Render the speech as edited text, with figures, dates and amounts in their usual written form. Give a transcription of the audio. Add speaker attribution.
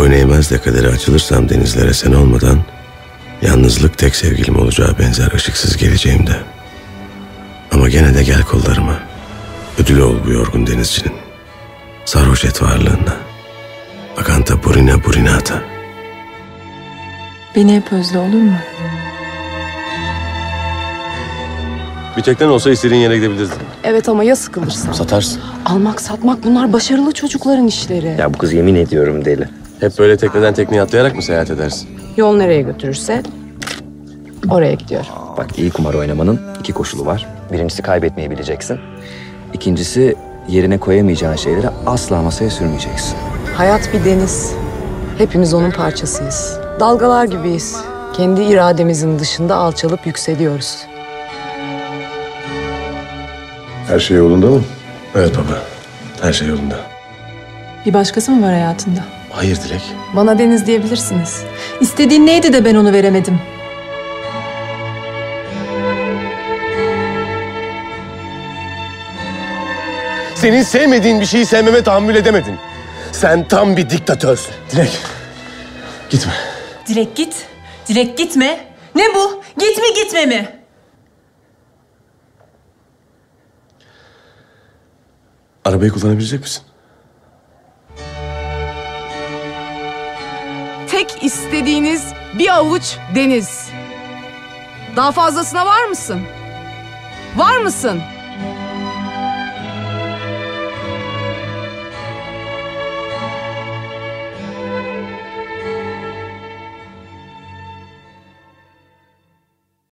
Speaker 1: boyun eğmez de kadere açılırsam denizlere sen olmadan, yalnızlık tek sevgilim olacağı benzer ışıksız geleceğimde. Ama gene de gel kollarıma. Ödülü ol bu yorgun denizcinin. Sarhoş et varlığına. Akanta burina burinata.
Speaker 2: Beni hep özle, olur mu?
Speaker 1: Bir teknen olsa istediğin yere gidebilirdin.
Speaker 3: Evet ama ya sıkılırsın?
Speaker 1: Satarsın.
Speaker 3: Almak satmak bunlar başarılı çocukların işleri.
Speaker 4: Ya bu kız yemin ediyorum deli.
Speaker 1: Hep böyle tekneden tekneye atlayarak mı seyahat edersin?
Speaker 3: Yol nereye götürürse oraya gidiyor.
Speaker 4: Bak, iyi kumar oynamanın iki koşulu var. Birincisi kaybetmeyi bileceksin. İkincisi yerine koyamayacağın şeyleri asla masaya sürmeyeceksin.
Speaker 3: Hayat bir deniz. Hepimiz onun parçasıyız. Dalgalar gibiyiz. Kendi irademizin dışında alçalıp yükseliyoruz.
Speaker 5: Her şey yolunda mı?
Speaker 1: Evet baba. Her şey yolunda.
Speaker 2: Bir başkası mı var hayatında?
Speaker 1: Hayır Dilek.
Speaker 2: Bana Deniz diyebilirsiniz. İstediğin neydi de ben onu veremedim?
Speaker 1: Senin sevmediğin bir şeyi sevmeme tahammül edemedin. Sen tam bir diktatörsün. Dilek, gitme.
Speaker 2: Dilek git. Dilek gitme. Ne bu? Git mi gitme mi?
Speaker 1: Arabayı kullanabilecek misin?
Speaker 3: Tek istediğiniz bir avuç deniz. Daha fazlasına var mısın? Var mısın?